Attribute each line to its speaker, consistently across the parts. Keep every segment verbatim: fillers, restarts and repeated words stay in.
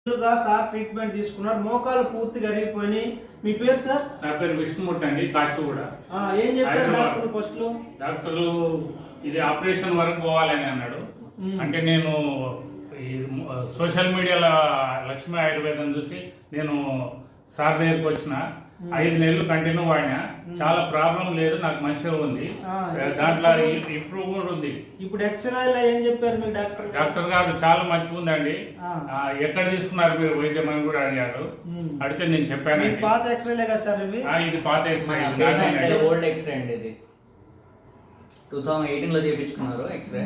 Speaker 1: Sir treatment తీసుకున్నారు, మోకాలు పూర్తిగా అరిగిపోయి. మీ పేరు సార్?
Speaker 2: నా పేరు విష్ణుమూర్తి అండి, కాచిగూడ.
Speaker 1: ఏం చెప్పారు డాక్టర్ ఫస్ట్ లో?
Speaker 2: డాక్టరు ఇది ఆపరేషన్ వరకు పోవాలని అన్నాడు. అంటే నేను ఈ సోషల్ మీడియాలో లక్ష్మీ ఆయుర్వేదం చూసి నేను సార్ దగ్గరికి వచ్చిన ఐదు నెలలు కంటిన్యూ వాడినా, చాలా ప్రాబ్లం లేదు, నాకు మంచిగా ఉంది. దాంట్లో ఇంప్రూవ్ కూడా ఉంది.
Speaker 1: ఇప్పుడు ఎక్స్రేలో ఏం చెప్పారు మీకు డాక్టర్?
Speaker 2: డాక్టర్ గారు చాలా మంచిగా ఉందండి, ఎక్కడ తీసుకున్నారు మీరు వైద్యం అని కూడా అడిగారు. అడిగితే నేను చెప్పాను
Speaker 1: పాత ఎక్స్రేలే కదా సార్ ఇవి?
Speaker 2: ఇది పాత ఎక్స్రే,
Speaker 3: ఓల్డ్ ఎక్స్రే అండి. ఇది టూ థౌజండ్ ఎయిటీన్ లో చేయించుకున్నారు ఎక్స్రే.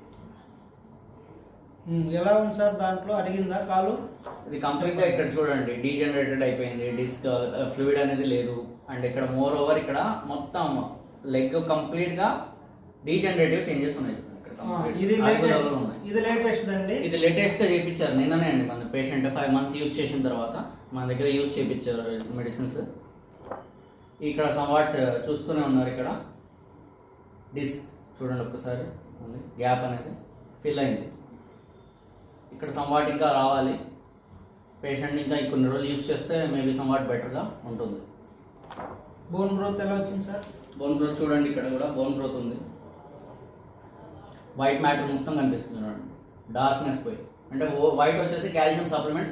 Speaker 1: ఎలా ఉంది సార్? దాంట్లో అరిగిందా కాలు?
Speaker 3: ఇది కంప్లీట్ గా ఇక్కడ చూడండి డీజనరేటెడ్ అయిపోయింది, డిస్క్ ఫ్లూయిడ్ అనేది లేదు. అండ్ ఇక్కడ మోర్ ఓవర్ ఇక్కడ మొత్తం లెగ్ కంప్లీట్ గా డీజనరేటివ్ చేంజెస్ ఉన్నాయి.
Speaker 1: ఇది లేటెస్ట్ అండి,
Speaker 3: ఇది లేటెస్ట్ గా చేయించారు నిన్ననే అండి. మన పేషెంట్ ఫైవ్ మంత్స్ యూజ్ చేసిన తర్వాత మన దగ్గర యూజ్ చేయించారు మెడిసిన్స్. ఇక్కడ సమ్వాట్ చూస్తూనే ఉన్నారు, ఇక్కడ డిస్క్ చూడండి ఒక్కసారి ఉంది, గ్యాప్ అనేది ఫిల్ అయింది. ఇక్కడ సమ్వాట్ ఇంకా రావాలి. పేషెంట్ ఇంకా కొన్ని రోజులు యూజ్ చేస్తే మేబీ సమ్వాట్ బెటర్గా ఉంటుంది.
Speaker 1: బోన్ గ్రోత్ ఎలా వచ్చింది సార్?
Speaker 3: బోన్ గ్రోత్ చూడండి, ఇక్కడ కూడా బోన్ గ్రోత్ ఉంది. వైట్ మ్యాటర్ మొత్తం కనిపిస్తుంది చూడండి, డార్క్నెస్ పోయి. అంటే వైట్ వచ్చేసి కాల్షియం సప్లిమెంట్